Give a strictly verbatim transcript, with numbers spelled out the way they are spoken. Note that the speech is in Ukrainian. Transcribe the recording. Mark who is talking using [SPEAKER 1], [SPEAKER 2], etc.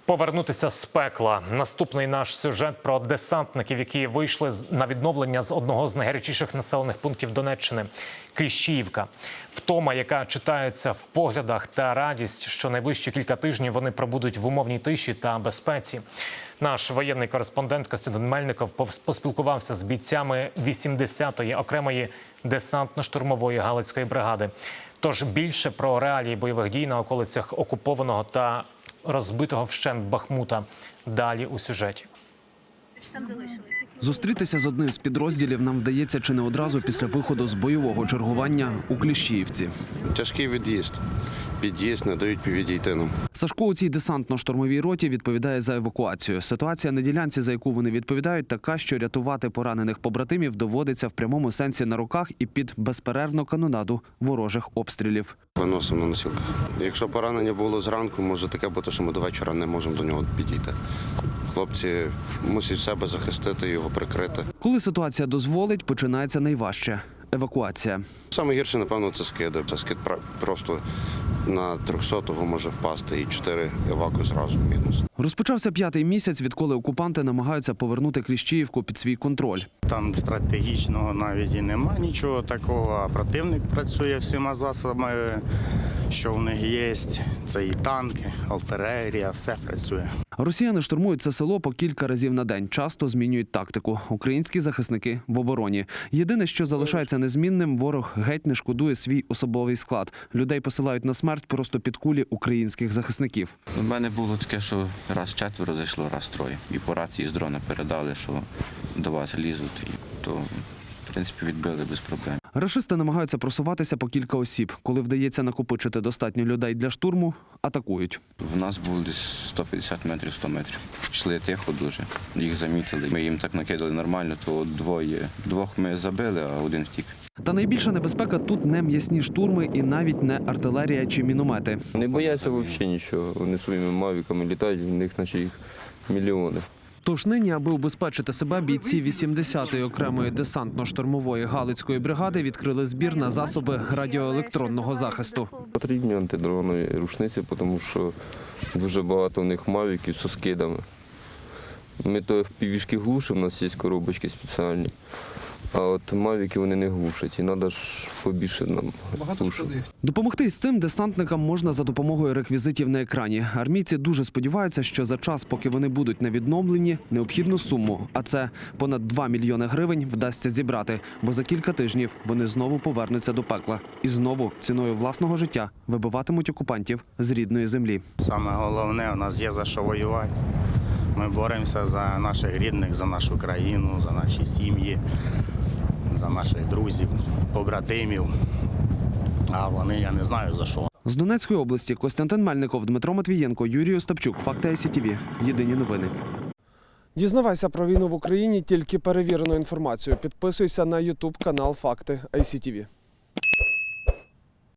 [SPEAKER 1] Повернутися з пекла. Наступний наш сюжет про десантників, які вийшли на відновлення з одного з найгарячіших населених пунктів Донеччини – Кліщіївка. Втома, яка читається в поглядах, та радість, що найближчі кілька тижнів вони пробудуть в умовній тиші та безпеці. Наш воєнний кореспондент Костянтин Мельников поспілкувався з бійцями вісімдесятої окремої десантно-штурмової Галицької бригади. Тож більше про реалії бойових дій на околицях окупованого та розбитого вщент Бахмута. Далі у сюжеті.
[SPEAKER 2] Зустрітися з одним з підрозділів нам вдається чи не одразу після виходу з бойового чергування у Кліщіївці.
[SPEAKER 3] Тяжкий від'їзд. Під'їзд не дають відійти нам.
[SPEAKER 2] Сашко у цій десантно-штурмовій роті відповідає за евакуацію. Ситуація на ділянці, за яку вони відповідають, така, що рятувати поранених побратимів доводиться в прямому сенсі на руках і під безперервну канонаду ворожих обстрілів.
[SPEAKER 3] Виносимо на носілках. Якщо поранення було зранку, може таке бути, що ми до вечора не можемо до нього підійти. Хлопці мусять себе захистити, його прикрити.
[SPEAKER 2] Коли ситуація дозволить, починається найважче – евакуація.
[SPEAKER 3] Саме гірше, напевно, це скиди. Це скид просто на трьохсотого може впасти і чотири еваку зразу мінус.
[SPEAKER 2] Розпочався п'ятий місяць, відколи окупанти намагаються повернути Кліщіївку під свій контроль.
[SPEAKER 4] Там стратегічного навіть і нема нічого такого, а противник працює всіма засобами, що в них є. Це і танки, артилерія, все працює.
[SPEAKER 2] Росіяни штурмують це село по кілька разів на день, часто змінюють тактику. Українські захисники в обороні. Єдине, що залишається незмінним, ворог геть не шкодує свій особовий склад. Людей посилають на смерть просто під кулі українських захисників.
[SPEAKER 5] У мене було таке, що раз четверо зайшло, раз троє. І по рації з дрона передали, що до вас лізуть, і то, в принципі, відбили без проблем.
[SPEAKER 2] Рашисти намагаються просуватися по кілька осіб. Коли вдається накопичити достатньо людей для штурму, атакують.
[SPEAKER 5] В нас було десь сто п'ятдесят метрів, сто метрів. Йшли тихо дуже, їх замітили. Ми їм так накидали нормально, то двоє. Двох ми забили, а один втік.
[SPEAKER 2] Та найбільша небезпека тут не м'ясні штурми і навіть не артилерія чи міномети.
[SPEAKER 6] Не бояться взагалі нічого. Вони своїми мавіками літають, в них наче їх мільйони.
[SPEAKER 2] Тож нині, аби убезпечити себе, бійці вісімдесятої окремої десантно-штурмової Галицької бригади відкрили збір на засоби радіоелектронного захисту.
[SPEAKER 6] Потрібні антидронові рушниці, тому що дуже багато в них мавіків зі скидами. Ми то півішки глушимо, у нас є коробочки спеціальні. А от мавіки вони не глушать, і треба ж побільше нам глушити.
[SPEAKER 2] Допомогти із цим десантникам можна за допомогою реквізитів на екрані. Армійці дуже сподіваються, що за час, поки вони будуть на відновленні, необхідну суму, а це понад два мільйони гривень, вдасться зібрати. Бо за кілька тижнів вони знову повернуться до пекла. І знову ціною власного життя вибиватимуть окупантів з рідної землі.
[SPEAKER 4] Саме головне, у нас є за що воювати. Ми боремося за наших рідних, за нашу країну, за наші сім'ї, за наших друзів, побратимів. А вони, я не знаю за що.
[SPEAKER 2] З Донецької області Костянтин Мельников, Дмитро Матвієнко, Юрій Остапчук. Факти ай сі ті ві. Єдині новини.
[SPEAKER 7] Дізнавайся про війну в Україні тільки перевірену інформацію. Підписуйся на ютуб канал Факти ай сі ті ві.